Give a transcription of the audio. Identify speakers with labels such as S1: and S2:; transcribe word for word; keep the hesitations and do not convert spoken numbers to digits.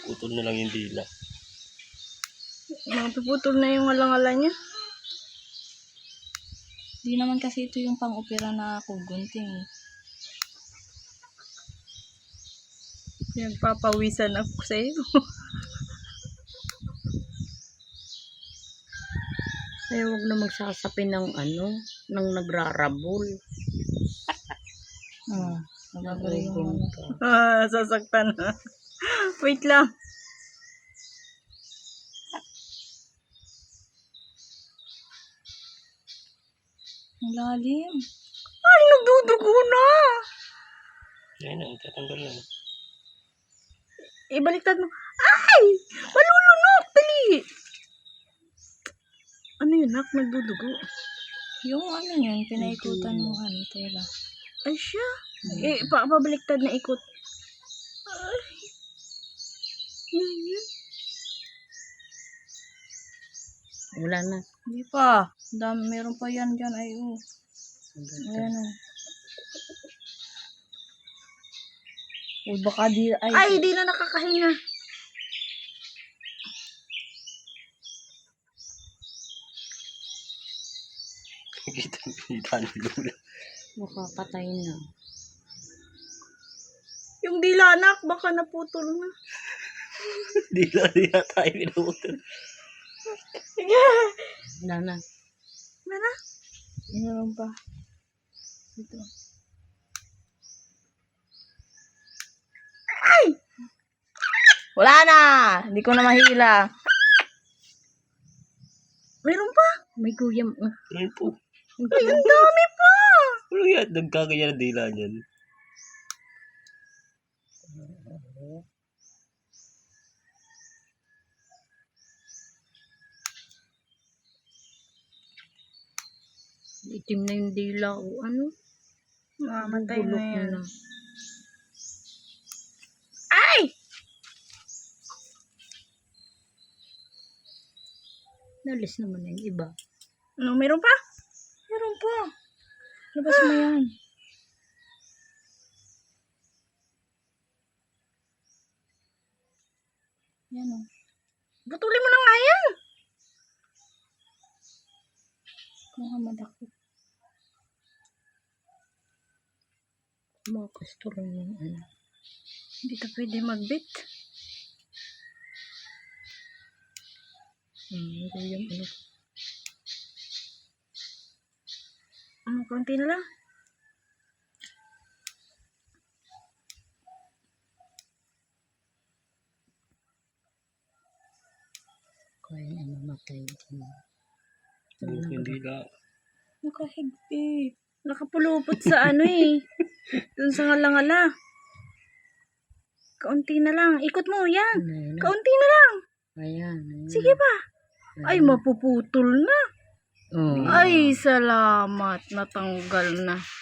S1: Putol na lang yung dila.
S2: Mapuputol na yung alangala niya.
S3: Hindi naman kasi ito yung pang-opera na kugunting.
S2: Nagpapawisan ako sa iyo.
S4: Ay, huwag na magsasapin ng ano, ng nagrarabol.
S3: Hmm. Nagagawin yung ano.
S2: Ah, sasaktan na. Wait lang.
S3: Ang lalim.
S2: Ay, nagdudugo na.
S1: Ayun na, tatanggal na.
S2: Ibaliktad mo. Ay! Malulunok! Dali! Ano yun, nak? Nagdudugo.
S3: Yung ano yun, pinaikutan mo ano, tela.
S2: Ay, siya. Eh, pa pabaliktad na ikot. Ay. Ano yun?
S4: Wala na.
S3: Hindi pa. Dami, meron pa yan dyan. Ay, oh. Ayan, oh. Uy, baka di, ay.
S2: Ay, di na nakakahinga.
S1: Kita, kita ni Lula.
S4: Baka patay na.
S2: Yung dila, anak, baka naputol na.
S1: Dila, dila tayo pinutol.
S4: Wala na.
S2: Mana?
S3: Meron pa. Ito. Wala na! Hindi ko na mahila.
S2: Meron pa?
S4: May guyam. Uh,
S1: Ayun po.
S2: Ay, ang dami pa.
S1: Ano yan? Nagkakaya ng dila niyan.
S4: itim na yung dila o ano.
S2: Mamatay na
S4: Bulok
S2: yan.
S4: na.
S2: Ay!
S4: Nalis naman na yung iba.
S2: Ano, meron pa?
S3: Meron pa. Labas mo yan. Yan, oh.
S2: Putulin mo na nga yan.
S3: Mga madakot.
S4: Mga pastor yung ano.
S2: Hindi ka pwede magbit.
S4: Hmm, guyam ano.
S2: Ano, konti na lang.
S4: Kaya na mamatay.
S1: Bulok yung dila.
S3: Nakahigpit.
S2: Nakapulupot sa ano eh. Dun sa ngala-ngala. Kaunti na lang. Ikot mo, yan.
S4: Ayan.
S2: Kaunti na lang.
S4: Ayan. Ayan.
S2: Sige pa. Ay, mapuputol na.
S4: Oh.
S2: Ay, salamat. Natanggal na.